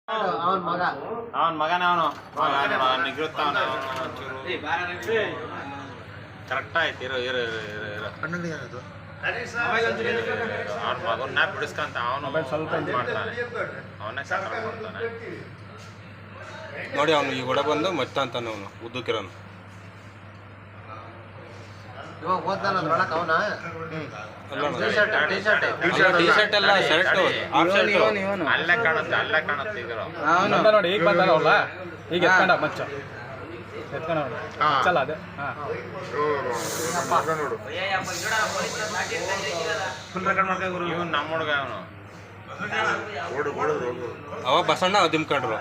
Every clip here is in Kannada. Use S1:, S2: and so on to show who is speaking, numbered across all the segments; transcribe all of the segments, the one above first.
S1: ಅವನ್ ಮಗನೇ ಅವನು ನಿಗಿರುತ್ತಾವನ ಕರೆಕ್ಟ್ ಆಯ್ತು. ಇರೋ ಇರೋ ಇರೋ ಇರೋ ಅವ್ನ ಮಗನ್ನ ಬಿಡಿಸ್ಕಂತ ಅವನು ಸ್ವಲ್ಪ ಇದು ಮಾಡ್ತಾನೆ, ಅವನೇ ಸಾಕಾರ ಮಾಡ್ತಾನೆ
S2: ನೋಡಿ. ಅವನು ಈ ಒಡ ಬಂದು ಮತ್ತೆ ಅಂತಾನೆ ಅವನು ಉದ್ದಕ್ಕಿರೋನು.
S1: ಇವಾಗ ಓದ್ತಾನ ಒಳಕ್ ಅವನ
S2: ಟಿ ಶರ್ಟ್ ಎಲ್ಲ ಶರ್ಟ್
S1: ಅಲ್ಲೇ ಕಾಣುತ್ತೆ, ಅಲ್ಲೇ ಕಾಣುತ್ತೆ.
S3: ಈಗ ನೋಡಿ ಈಗ ಬಂದಲ್ಲ, ಈಗ ಎತ್ಕೊಂಡ ಮಚ್ಚ ಎತ್ಕೊಂಡ ಚಲ್ಲ ಅದೇ
S1: ಇವನು ನಮ್ಮ ಹುಡುಗ ಅವನು.
S2: ಅವ ಬಸಣ್ಣ ದಿಮ್ಕೊಂಡ್ರು.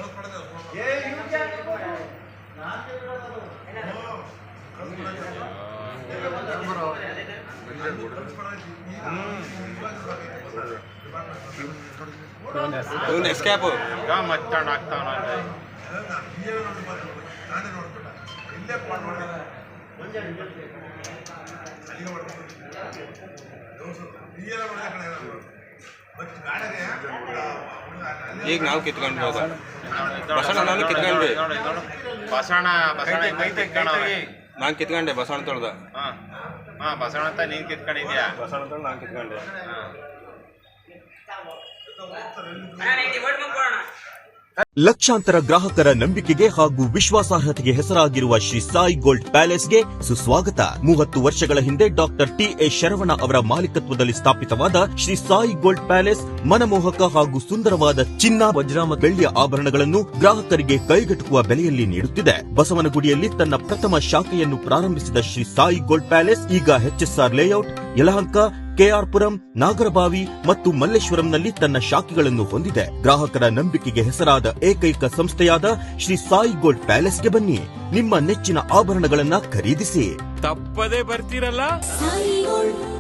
S2: ಇವನು ಎಸ್ಕೇಪ್
S1: ಈಗ ಮತ್ತೊಂಡು ಆಗ್ತಾವನ
S2: ಈಗ ನಾವು ಕಿತ್ಕೊಂಡ್ವಿ. ಬಸಣ್ಣ ನಾನು ಕಿತ್ಕೊಂಡ್ವಿ.
S1: ಬಸಣ್ಣ
S2: ನಾನು ಕಿತ್ಕೊಂಡೆ ಬಸಣ್ಣ ತೊಳ್ದ.
S1: ಬಸವಣ್ಣ ಅಂತ ನೀನ್ ಕಿತ್ಕೊಂಡಿದ್ಯಾ?
S2: ಬಸಣ್ಣ ತೊಳ್ದು ನಾನು ಕಿತ್ಕೊಂಡೆ.
S4: ಲಕ್ಷಾಂತರ ಗ್ರಾಹಕರ ನಂಬಿಕೆಗೆ ಹಾಗೂ ವಿಶ್ವಾಸಾರ್ಹತೆಗೆ ಹೆಸರಾಗಿರುವ ಶ್ರೀ ಸಾಯಿ ಗೋಲ್ಡ್ ಪ್ಯಾಲೇಸ್ಗೆ ಸುಸ್ವಾಗತ. 30 ವರ್ಷಗಳ ಹಿಂದೆ ಡಾಕ್ಟರ್ ಟಿ.ಎ. ಶರವಣ ಅವರ ಮಾಲೀಕತ್ವದಲ್ಲಿ ಸ್ಥಾಪಿತವಾದ ಶ್ರೀ ಸಾಯಿ ಗೋಲ್ಡ್ ಪ್ಯಾಲೇಸ್ ಮನಮೋಹಕ ಹಾಗೂ ಸುಂದರವಾದ ಚಿನ್ನ, ವಜ್ರ ಮತ್ತು ಬೆಳ್ಳಿಯ ಆಭರಣಗಳನ್ನು ಗ್ರಾಹಕರಿಗೆ ಕೈಗೆಟುಕುವ ಬೆಲೆಯಲ್ಲಿ ನೀಡುತ್ತಿದೆ. ಬಸವನಗುಡಿಯಲ್ಲಿ ತನ್ನ ಪ್ರಥಮ ಶಾಖೆಯನ್ನು ಪ್ರಾರಂಭಿಸಿದ ಶ್ರೀ ಸಾಯಿ ಗೋಲ್ಡ್ ಪ್ಯಾಲೇಸ್ ಈಗ ಎಚ್ಎಸ್ಆರ್ ಲೇಔಟ್, ಯಲಹಂಕ, ಕೆಆರ್ಪುರಂ, ನಾಗರಬಾವಿ ಮತ್ತು ಮಲ್ಲೇಶ್ವರಂನಲ್ಲಿ ತನ್ನ ಶಾಖೆಗಳನ್ನು ಹೊಂದಿದೆ. ಗ್ರಾಹಕರ ನಂಬಿಕೆಗೆ ಹೆಸರಾದ ಏಕೈಕ ಸಂಸ್ಥೆಯಾದ ಶ್ರೀ ಸಾಯಿ ಗೋಲ್ಡ್ ಪ್ಯಾಲೇಸ್ಗೆ ಬನ್ನಿ. ನಿಮ್ಮ ನೆಚ್ಚಿನ ಆಭರಣಗಳನ್ನ ಖರೀದಿಸಿ.
S5: ತಪ್ಪದೇ ಬರ್ತೀರಲ್ಲ.